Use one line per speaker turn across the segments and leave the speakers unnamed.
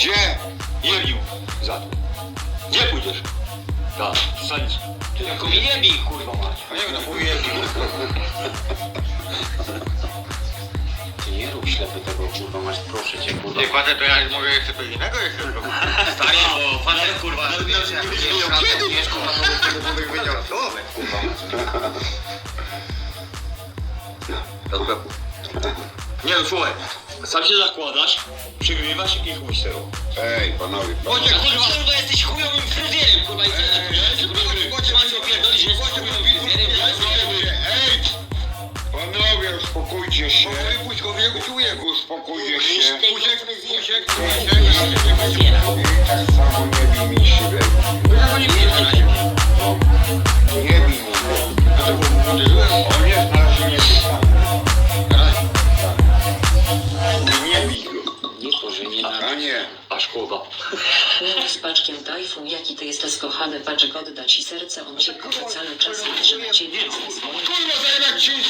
Gdzie?
Jebił za to. Gdzie pójdziesz? Tak, stanic.
Ty tylko mi nie bij, kurwa mać.
A jak na chuj jebił?
Ty nie rób ślepy tego, kurwa mać, proszę cię, kurwa.
Nie kładę, to ja mogę jeszcze coś innego jeszcze zrobić.
Stary, bo facet, kurwa, wiesz, jak wiesz, razem, wiesz, kurwa, to by wyniosło, kurwa mać.
Nie no, słuchaj. Sam się zakładasz, przygrywasz i chuj z tego.
Ej, panowie.
Bocie, kurwa, jesteś chujowym fryzjerem, kurwa, i
Ej! Panowie, uspokójcie się.
Puść go,
Uspokójcie się.
Pusiek.
Tak samo nie bij mi siebie. Nie bij mi. On jest na razie nie Nie bij go.
Nie to, że nie
A nie.
A szkoda.
Chłop z paczkiem Tajfun, jaki ty jesteś kochany, paczek odda ci serce, on się kurwa cały czas patrzy na ciebie ze swoim
Kurwa, zajebać ci!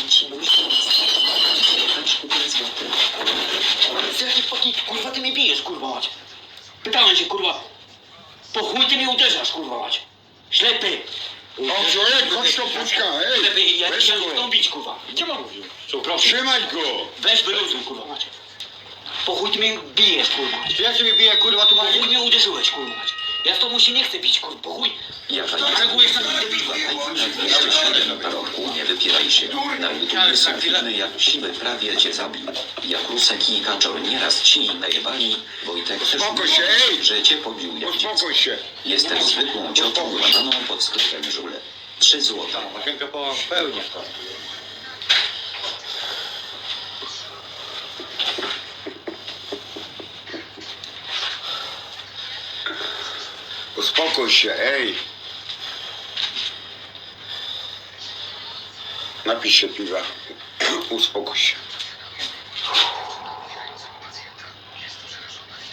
paczku 5 złotych.
Jaki potnik, kurwa, ty mnie bijesz, kurwa mać. Pytałem cię, kurwa, po chuj ty mnie uderzasz, kurwa mać. Ślepy.
O, człowiek, chodź to puszka, ej!
Ślepy, ja
Weź
chciałem
go.
tą bić, kurwa.
Gdzie ma mówił? Co, proszę.
Trzymaj go!
Weź wyluzuj, kurwa mać. Po chuj ty mnie bijesz, kurwa mać.
Ja ciebie biję, kurwa, tu
Po
mam...
chuj mnie uderzyłeś, kurwa mać. Ja z tobą się nie chcę bić, kurwa, po chuj. Reagujesz na mnie debila.
Nie wypieraj się. Na YouTubie są filmy jak siły prawie cię zabił. Jak Rusek i Kaczor nieraz ci najebali. Wojtek też
Uspokój się, ej!
że cię pobił jak dziecko.
Uspokój się.
Jestem zwykłą ciocią łamaną pod sklepem żule. 3 złota.
Masienka po pełni.
Uspokój się, ej! Napij się piwa. Uspokój się.